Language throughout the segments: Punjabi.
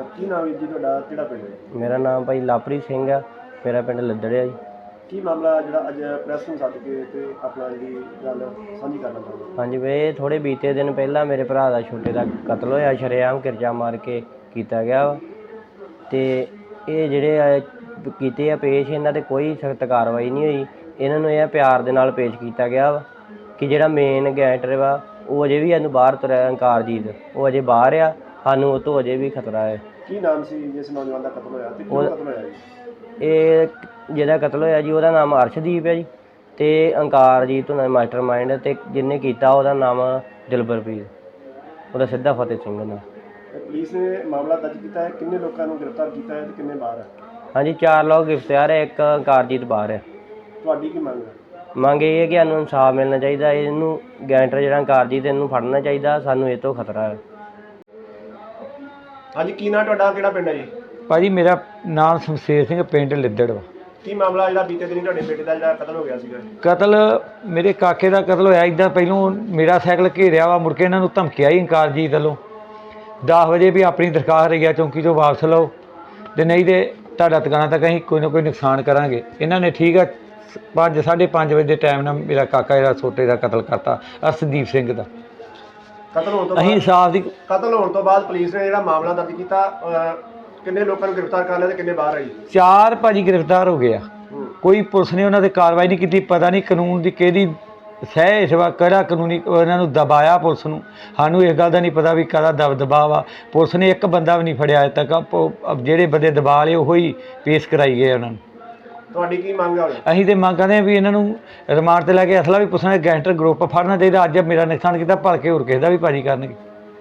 ਕੀ ਨਾਮ ਹੈ ਜੀ ਤੁਹਾਡਾ, ਕਿਹੜਾ ਪਿੰਡ ਹੈ? ਮੇਰਾ ਨਾਮ ਭਾਈ ਲਵਪ੍ਰੀਤ ਸਿੰਘ ਆ। ਮੇਰਾ ਪਿੰਡ ਲੱਦੜ ਆ ਜੀ। ਕੀ ਮਾਮਲਾ ਜਿਹੜਾ ਅੱਜ ਪ੍ਰੈਸ ਨੂੰ ਸੱਦ ਕੇ ਤੇ ਆਪਣਾ ਜਿਹੜੀ ਗੱਲ ਸਾਂਝੀ ਕਰਨਾ ਚਾਹੁੰਦੇ? ਹਾਂਜੀ ਵੇ ਥੋੜ੍ਹੇ ਬੀਤੇ ਦਿਨ ਪਹਿਲਾਂ ਮੇਰੇ ਭਰਾ ਦਾ ਛੋਟੇ ਦਾ ਕਤਲ ਹੋਇਆ, ਸ਼ਰੇਆਮ ਕਿਰਚਾ ਮਾਰ ਕੇ ਕੀਤਾ ਗਿਆ ਵਾ। ਅਤੇ ਇਹ ਜਿਹੜੇ ਕੀਤੇ ਆ ਪੇਸ਼, ਇਹਨਾਂ 'ਤੇ ਕੋਈ ਸਖਤ ਕਾਰਵਾਈ ਨਹੀਂ ਹੋਈ। ਇਹਨਾਂ ਨੂੰ ਇਹ ਪਿਆਰ ਦੇ ਨਾਲ ਪੇਸ਼ ਕੀਤਾ ਗਿਆ ਵਾ ਕਿ ਜਿਹੜਾ ਮੇਨ ਗੈਂਗਸਟਰ ਵਾ ਉਹ ਅਜੇ ਵੀ ਇਹਨੂੰ ਬਾਹਰ ਤੁਰਿਆ, ਅੰਕਾਰਜੀਤ, ਉਹ ਅਜੇ ਬਾਹਰ ਆ। ਸਾਨੂੰ ਉਹ ਤੋਂ ਅਜੇ ਵੀ ਖਤਰਾ ਹੈ। ਕੀ ਨਾਮ ਸੀ ਜਿਸ ਨੌਜਵਾਨ ਦਾ ਕਤਲ ਹੋਇਆ ਤੇ ਕਿਉਂ ਕਤਲ ਹੋਇਆ ਜੀ? ਇਹ ਜਿਹਦਾ ਕਤਲ ਹੋਇਆ ਜੀ ਉਹਦਾ ਨਾਮ ਅਰਸ਼ਦੀਪ ਹੈ ਜੀ, ਅਤੇ ਅੰਕਾਰਜੀਤ ਹੁੰਦਾ ਮਾਸਟਰ ਮਾਈਂਡ, ਅਤੇ ਜਿਹਨੇ ਕੀਤਾ ਉਹਦਾ ਨਾਮ ਦਿਲਬਰਪ੍ਰੀਤ, ਉਹਦਾ ਸਿੱਧਾ ਫਤਿਹ ਸਿੰਘ ਨਾਲ। ਪੁਲਿਸ ਨੇ ਮਾਮਲਾ ਦਰਜ ਕੀਤਾ ਹੈ, ਕਿੰਨੇ ਲੋਕਾਂ ਨੂੰ ਗ੍ਰਿਫਤਾਰ ਕੀਤਾ ਹੈ ਤੇ ਕਿੰਨੇ ਬਾਹਰ ਹੈ? ਹਾਂਜੀ 4 ਲੋਕ ਗ੍ਰਿਫਤਾਰ ਹੈ, ਇੱਕ ਅੰਕਾਰਜੀਤ ਬਾਹਰ ਹੈ। ਤੁਹਾਡੀ ਕੀ ਮੰਗ ਹੈ? ਮੰਗ ਇਹ ਹੈ ਕਿ ਸਾਨੂੰ ਇਨਸਾਫ ਮਿਲਣਾ ਚਾਹੀਦਾ। ਇਹਨੂੰ ਗੈਂਗਸਟਰ ਜਿਹੜਾ ਅੰਕਾਰਜੀਤ, ਇਹਨੂੰ ਫੜਨਾ ਚਾਹੀਦਾ। ਸਾਨੂੰ ਇਹ ਤੋਂ ਖਤਰਾ ਹੈ। ਹਾਂਜੀ, ਕੀ ਨਾਂ ਤੁਹਾਡਾ, ਕਿਹੜਾ ਪਿੰਡ ਹੈ ਜੀ? ਭਾਜੀ ਮੇਰਾ ਨਾਮ ਸ਼ਮਸ਼ੇਰ ਸਿੰਘ, ਪਿੰਡ ਲਿੱਦੜ ਵਾ। ਕੀ ਮਾਮਲਾ ਜਿਹੜਾ ਬੀਤੇ ਦਿਨੀ ਤੁਹਾਡੇ ਬੇਟੇ ਦਾ ਜਿਹੜਾ ਕਤਲ ਹੋ ਗਿਆ ਸੀਗਾ? ਕਤਲ ਮੇਰੇ ਕਾਕੇ ਦਾ ਕਤਲ ਹੋਇਆ। ਇੱਦਾਂ ਪਹਿਲੋਂ ਮੇਰਾ ਸਾਈਕਲ ਘੇਰਿਆ ਵਾ, ਮੁੜ ਕੇ ਇਹਨਾਂ ਨੂੰ ਧਮਕਿਆ ਹੀ ਅੰਕਾਰਜੀਤ ਵੱਲੋਂ 10 ਵਜੇ ਵੀ ਆਪਣੀ ਦਰਖਾਸਤ ਰਈਆ ਚੌਂਕੀ ਤੋਂ ਵਾਪਸ ਲਓ, ਅਤੇ ਨਹੀਂ ਤਾਂ ਤੁਹਾਡਾ ਟਿਕਾਣਾ ਤੱਕ ਅਸੀਂ ਕੋਈ ਨਾ ਕੋਈ ਨੁਕਸਾਨ ਕਰਾਂਗੇ। ਇਹਨਾਂ ਨੇ ਠੀਕ ਆ 5:30 ਵਜੇ ਦੇ ਟਾਈਮ ਨਾਲ ਮੇਰਾ ਕਾਕਾ ਜਿਹੜਾ ਛੋਟੇ ਦਾ ਕਤਲ ਕਰਤਾ, ਅਰਸ਼ਦੀਪ ਸਿੰਘ ਦਾ। ਕਤਲ ਹੋਣ ਤੋਂ ਅਸੀਂ ਇਨਸਾਫ ਦੀ ਕਤਲ ਹੋਣ ਤੋਂ ਬਾਅਦ ਪੁਲਿਸ ਨੇ ਜਿਹੜਾ ਮਾਮਲਾ ਦਰਜ ਕੀਤਾ, ਕਿੰਨੇ ਲੋਕਾਂ ਨੂੰ ਗ੍ਰਿਫਤਾਰ ਕਰ ਲਿਆ ਤੇ ਕਿੰਨੇ ਬਾਹਰ ਆ ਜੀ? 4 ਭਾਜੀ ਗ੍ਰਿਫਤਾਰ ਹੋ ਗਏ ਆ। ਕੋਈ ਪੁਲਿਸ ਨੇ ਉਹਨਾਂ 'ਤੇ ਕਾਰਵਾਈ ਨਹੀਂ ਕੀਤੀ। ਪਤਾ ਨਹੀਂ ਕਾਨੂੰਨ ਦੀ ਕਿਹਦੀ ਸਹਿ ਇਸ ਵਾਰ ਕਿਹੜਾ ਕਾਨੂੰਨੀ ਇਹਨਾਂ ਨੂੰ ਦਬਾਇਆ ਪੁਲਿਸ ਨੂੰ। ਸਾਨੂੰ ਇਸ ਗੱਲ ਦਾ ਨਹੀਂ ਪਤਾ ਵੀ ਕਾਹਦਾ ਦਬਾਅ ਵਾ। ਪੁਲਿਸ ਨੇ ਇੱਕ ਬੰਦਾ ਵੀ ਨਹੀਂ ਫੜਿਆ ਅਜੇ ਤੱਕ। ਜਿਹੜੇ ਬੰਦੇ ਦਬਾ ਲਏ ਉਹੀ ਹੀ ਪੇਸ਼ ਕਰਾਈ ਗਏ ਉਹਨਾਂ ਨੂੰ। ਤੁਹਾਡੀ ਕੀ ਮੰਗ ਹੈ? ਅਸੀਂ ਤਾਂ ਮੰਗ ਕਰਦੇ ਹਾਂ ਵੀ ਇਹਨਾਂ ਨੂੰ ਰਿਮਾਂਡ 'ਤੇ ਲੈ ਕੇ ਅਸਲਾ ਵੀ ਪੁੱਛਣਾ, ਗੈਂਗਸਟਰ ਗਰੁੱਪ ਫੜਨਾ ਚਾਹੀਦਾ। ਅੱਜ ਮੇਰਾ ਨੁਕਸਾਨ ਕੀਤਾ, ਭਲਕੇ ਹੋਰ ਕਿਸੇ ਦਾ ਵੀ ਭਾਜੀ ਕਰਨਗੇ।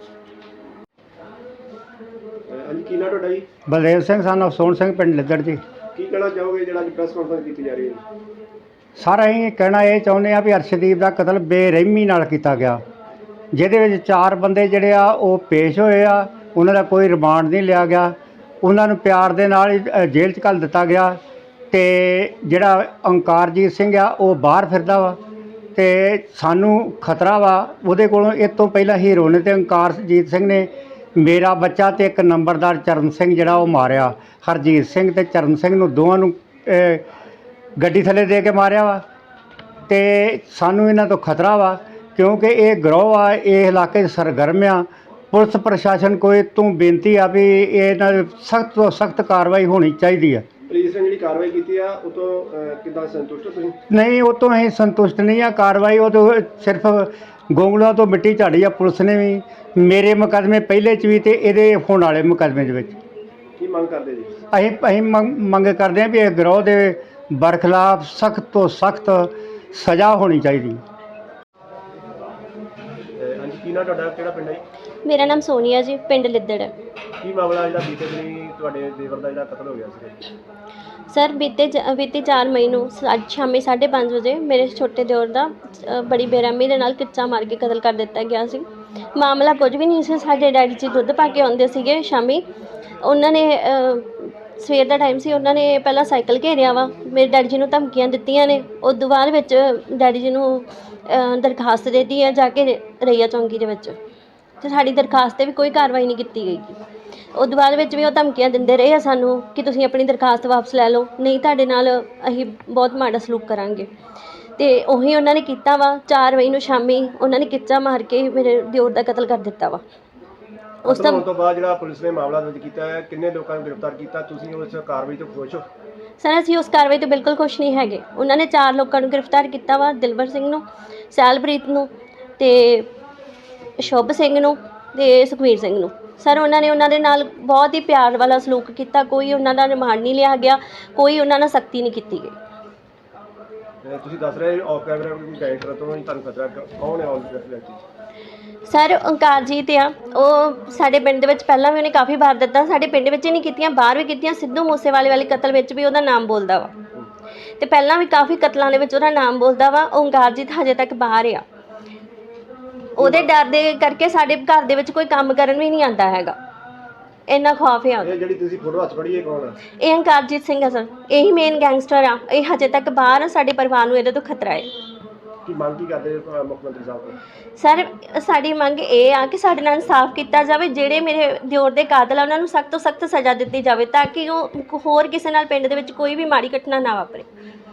ਹਾਂਜੀ, ਕੀ ਨਾਂ ਤੁਹਾਡਾ ਜੀ? ਬਲਦੇਵ ਸਿੰਘ ਸਨ ਆਫ ਸੋਹਣ ਸਿੰਘ, ਪਿੰਡ ਲਿੱਦੜ ਜੀ। ਕੀ ਕਹਿਣਾ ਚਾਹੋਗੇ ਜਿਹੜਾ ਅੱਜ ਪ੍ਰੈਸ ਕਾਨਫਰੰਸ ਕੀਤੀ ਜਾ ਰਹੀ ਹੈ? ਸਰ ਅਸੀਂ ਕਹਿਣਾ ਇਹ ਚਾਹੁੰਦੇ ਆ ਵੀ ਅਰਸ਼ਦੀਪ ਦਾ ਕਤਲ ਬੇਰਹਿਮੀ ਨਾਲ ਕੀਤਾ ਗਿਆ, ਜਿਹਦੇ ਵਿੱਚ 4 ਬੰਦੇ ਜਿਹੜੇ ਆ ਉਹ ਪੇਸ਼ ਹੋਏ ਆ। ਉਹਨਾਂ ਦਾ ਕੋਈ ਰਿਮਾਂਡ ਨਹੀਂ ਲਿਆ ਗਿਆ। ਉਹਨਾਂ ਨੂੰ ਪਿਆਰ ਦੇ ਨਾਲ ਹੀ ਜੇਲ੍ਹ 'ਚ ਘੱਲ ਦਿੱਤਾ ਗਿਆ। ਅਤੇ ਜਿਹੜਾ ਅੰਕਾਰਜੀਤ ਸਿੰਘ ਆ ਉਹ ਬਾਹਰ ਫਿਰਦਾ ਵਾ, ਅਤੇ ਸਾਨੂੰ ਖਤਰਾ ਵਾ ਉਹਦੇ ਕੋਲੋਂ। ਇਹ ਤੋਂ ਪਹਿਲਾਂ ਹੀਰੋ ਨੇ ਅਤੇ ਅੰਕਾਰਜੀਤ ਸਿੰਘ ਨੇ ਮੇਰਾ ਬੱਚਾ ਅਤੇ ਇੱਕ ਨੰਬਰਦਾਰ ਚਰਨ ਸਿੰਘ ਜਿਹੜਾ ਉਹ ਮਾਰਿਆ। ਹਰਜੀਤ ਸਿੰਘ ਅਤੇ ਚਰਨ ਸਿੰਘ ਨੂੰ ਦੋਵਾਂ ਨੂੰ ਗੱਡੀ ਥੱਲੇ ਦੇ ਕੇ ਮਾਰਿਆ ਵਾ। ਅਤੇ ਸਾਨੂੰ ਇਹਨਾਂ ਤੋਂ ਖਤਰਾ ਵਾ, ਕਿਉਂਕਿ ਇਹ ਗਰੋਹ ਆ, ਇਹ ਇਲਾਕੇ 'ਚ ਸਰਗਰਮ ਆ। ਪੁਲਿਸ ਪ੍ਰਸ਼ਾਸਨ ਕੋਈ ਤੋਂ ਬੇਨਤੀ ਆ ਵੀ ਇਹਨਾਂ ਦੀ ਸਖਤ ਤੋਂ ਸਖਤ ਕਾਰਵਾਈ ਹੋਣੀ ਚਾਹੀਦੀ ਆ। ਪੁਲਿਸ ਨੇ ਜਿਹੜੀ ਕਾਰਵਾਈ ਕੀਤੀ ਆ ਉਹ ਤੋਂ ਕਿੱਦਾਂ ਸੰਤੁਸ਼ਟ ਹੋ ਤੁਸੀਂ? ਨਹੀਂ, ਉਹ ਤੋਂ ਅਸੀਂ ਸੰਤੁਸ਼ਟ ਨਹੀਂ ਆ। ਕਾਰਵਾਈ ਉਹ ਤੋਂ ਸਿਰਫ ਗੋਂਗਲੂਆਂ ਤੋਂ ਮਿੱਟੀ ਝਾੜੀ ਆ ਪੁਲਿਸ ਨੇ ਵੀ। ਮੇਰੇ ਮੁਕੱਦਮੇ ਪਹਿਲੇ 'ਚ ਵੀ ਅਤੇ ਇਹਦੇ ਹੋਣ ਵਾਲੇ ਮੁਕੱਦਮੇ ਦੇ ਵਿੱਚ। ਕੀ ਮੰਗ ਕਰਦੇ ਜੀ? ਅਸੀਂ ਮੰਗ ਕਰਦੇ ਹਾਂ ਵੀ ਇਹ ਗਰੋਹ ਦੇ ਬਰਖਲਾਫ ਸਖਤ ਤੋਂ ਸਖਤ ਸਜ਼ਾ ਹੋਣੀ ਚਾਹੀਦੀ। ਹਾਂਜੀ, ਕੀ ਨਾਂ ਤੁਹਾਡਾ, ਕਿਹੜਾ ਪਿੰਡ ਹੈ ਜੀ? ਮੇਰਾ ਨਾਮ ਸੋਨੀਆ ਜੀ, ਪਿੰਡ ਲਿੱਦੜ ਹੈ। ਕੀ ਮਾਮਲਾ ਜਿਹੜਾ ਬੀਤੇ ਦਿਨੀ ਤੁਹਾਡੇ ਦੇਵਰ ਦਾ ਜਿਹੜਾ ਕਤਲ ਹੋ ਗਿਆ ਸੀ? ਸਰ ਬੀਤੀ 4 ਮਈ ਨੂੰ ਅੱਜ ਸ਼ਾਮੀ 5:30 ਵਜੇ ਮੇਰੇ ਛੋਟੇ ਦਿਓਰ ਦਾ ਬੜੀ ਬੇਰਹਿਮੀ ਦੇ ਨਾਲ ਕਿਰਚਾ ਮਾਰ ਕੇ ਕਤਲ ਕਰ ਦਿੱਤਾ ਗਿਆ ਸੀ। ਮਾਮਲਾ ਕੁਝ ਵੀ ਨਹੀਂ ਸੀ। ਸਾਡੇ ਡੈਡੀ ਜੀ ਦੁੱਧ ਪਾ ਕੇ ਆਉਂਦੇ ਸੀਗੇ ਸ਼ਾਮੀ। ਉਹਨਾਂ ਨੇ ਸਵੇਰ ਦਾ ਟਾਈਮ ਸੀ, ਉਹਨਾਂ ਨੇ ਪਹਿਲਾਂ ਸਾਈਕਲ ਘੇਰਿਆ ਵਾ, ਮੇਰੇ ਡੈਡੀ ਜੀ ਨੂੰ ਧਮਕੀਆਂ ਦਿੱਤੀਆਂ ਨੇ। ਉਸ ਤੋਂ ਬਾਅਦ ਵਿੱਚ ਡੈਡੀ ਜੀ ਨੂੰ ਦਰਖਾਸਤ ਦੇ ਦਿੱਤੀ ਹੈ ਜਾ ਕੇ ਰਈਆ ਚੌਂਕੀ ਦੇ ਵਿੱਚ, ਅਤੇ ਸਾਡੀ ਦਰਖਾਸਤ 'ਤੇ ਵੀ ਕੋਈ ਕਾਰਵਾਈ ਨਹੀਂ ਕੀਤੀ ਗਈ। ਉਸ ਤੋਂ ਬਾਅਦ ਵਿੱਚ ਵੀ ਉਹ ਧਮਕੀਆਂ ਦਿੰਦੇ ਰਹੇ ਆ ਸਾਨੂੰ ਕਿ ਤੁਸੀਂ ਆਪਣੀ ਦਰਖਾਸਤ ਵਾਪਸ ਲੈ ਲਓ, ਨਹੀਂ ਤੁਹਾਡੇ ਨਾਲ ਅਸੀਂ ਬਹੁਤ ਮਾੜਾ ਸਲੂਕ ਕਰਾਂਗੇ। ਅਤੇ ਉਹੀ ਉਹਨਾਂ ਨੇ ਕੀਤਾ ਵਾ। 4 ਮਈ ਨੂੰ ਸ਼ਾਮੀ ਉਹਨਾਂ ਨੇ ਕਿਰਚਾ ਮਾਰ ਕੇ ਮੇਰੇ ਦਿਓਰ ਦਾ ਕਤਲ ਕਰ ਦਿੱਤਾ ਵਾ। ਉਸ ਤੋਂ ਬਾਅਦ ਜਿਹੜਾ ਪੁਲਿਸ ਨੇ ਮਾਮਲਾ ਦਰਜ ਕੀਤਾ ਹੈ, ਕਿੰਨੇ ਲੋਕਾਂ ਨੂੰ ਗ੍ਰਿਫਤਾਰ ਕੀਤਾ? ਤੁਸੀਂ ਉਸ ਕਾਰਵਾਈ ਤੋਂ ਖੁਸ਼ ਹੋ? ਸਰ ਅਸੀਂ ਉਸ ਕਾਰਵਾਈ ਤੋਂ ਬਿਲਕੁਲ ਖੁਸ਼ ਨਹੀਂ ਹੈਗੇ। ਉਹਨਾਂ ਨੇ 4 ਲੋਕਾਂ ਨੂੰ ਗ੍ਰਿਫਤਾਰ ਕੀਤਾ ਵਾ, ਦਿਲਬਰ ਸਿੰਘ ਨੂੰ, ਸੈਲਪ੍ਰੀਤ ਨੂੰ, ਅਤੇ ਸ਼ੁਭ ਸਿੰਘ ਨੂੰ, ਅਤੇ ਸੁਖਵੀਰ ਸਿੰਘ ਨੂੰ। ਸਰ ਉਹਨਾਂ ਦੇ ਨਾਲ ਬਹੁਤ ਹੀ ਪਿਆਰ ਵਾਲਾ ਸਲੂਕ ਕੀਤਾ। ਕੋਈ ਉਹਨਾਂ ਦਾ ਰਿਮਾਂਡ ਨਹੀਂ ਲਿਆ ਗਿਆ, ਕੋਈ ਉਹਨਾਂ ਨਾਲ ਸਖਤੀ ਨਹੀਂ ਕੀਤੀ ਗਈ। ਤੁਸੀਂ ਦੱਸ ਰਹੇ ਆਫ ਕੈਮਰਾ ਕੋਈ ਗੈਂਗਸਟਰ ਤੋਂ ਤੁਹਾਨੂੰ ਖਤਰਾ, ਕੌਣ ਹੈ ਆਫ? ਸਰ ਅੰਕਾਰਜੀਤ ਆ, ਉਹ ਸਾਡੇ ਪਿੰਡ ਦੇ ਵਿੱਚ ਪਹਿਲਾਂ ਵੀ ਉਹਨੇ ਕਾਫੀ ਵਾਰ ਦਿੱਤਾ। ਸਾਡੇ ਪਿੰਡ ਵਿੱਚ ਹੀ ਨਹੀਂ ਕੀਤੀਆਂ, ਬਾਹਰ ਵੀ ਕੀਤੀਆਂ। ਸਿੱਧੂ ਮੂਸੇਵਾਲੇ ਵਾਲੇ ਕਤਲ ਵਿੱਚ ਵੀ ਉਹਦਾ ਨਾਮ ਬੋਲਦਾ ਵਾ, ਅਤੇ ਪਹਿਲਾਂ ਵੀ ਕਾਫੀ ਕਤਲਾਂ ਦੇ ਵਿੱਚ ਉਹਦਾ ਨਾਮ ਬੋਲਦਾ ਵਾ। ਉਹ ਅੰਕਾਰਜੀਤ ਹਜੇ ਤੱਕ ਬਾਹਰ ਆ। ਉਹਦੇ ਡਰ ਦੇ ਕਰਕੇ ਸਾਡੇ ਘਰ ਦੇ ਵਿੱਚ ਕੋਈ ਕੰਮ ਕਰਨ ਵੀ ਨਹੀਂ ਆਉਂਦਾ ਹੈਗਾ, ਇੰਨਾ ਖੌਫ ਆ। ਇਹ ਜਿਹੜੀ ਤੁਸੀਂ ਫੋਟੋ ਹੱਥ ਫੜੀ ਹੈ ਕੌਣ ਹੈ? ਇਹ ਅੰਕਾਰਜੀਤ ਸਿੰਘ ਆ ਸਰ, ਇਹੀ ਮੇਨ ਗੈਂਗਸਟਰ ਆ। ਇਹ ਹਜੇ ਤੱਕ ਬਾਹਰ ਆ। ਸਾਡੇ ਪਰਿਵਾਰ ਨੂੰ ਇਹਦੇ ਤੋਂ ਖਤਰਾ ਹੈ। ਕੀ ਮੰਗ ਕੀ ਕਰਦੇ ਮੁੱਖ ਮੰਤਰੀ ਸਾਹਿਬ ਤੋਂ? ਸਰ ਸਾਡੀ ਮੰਗ ਇਹ ਆ ਕਿ ਸਾਡੇ ਨਾਲ ਇਨਸਾਫ ਕੀਤਾ ਜਾਵੇ, ਜਿਹੜੇ ਮੇਰੇ ਦਿਓਰ ਦੇ ਕਾਤਲ ਆ ਉਹਨਾਂ ਨੂੰ ਸਖਤ ਤੋਂ ਸਖਤ ਸਜ਼ਾ ਦਿੱਤੀ ਜਾਵੇ ਤਾਂ ਕਿ ਉਹ ਹੋਰ ਕਿਸੇ ਨਾਲ ਪਿੰਡ ਦੇ ਵਿੱਚ ਕੋਈ ਵੀ ਮਾੜੀ ਘਟਨਾ ਨਾ ਵਾਪਰੇ।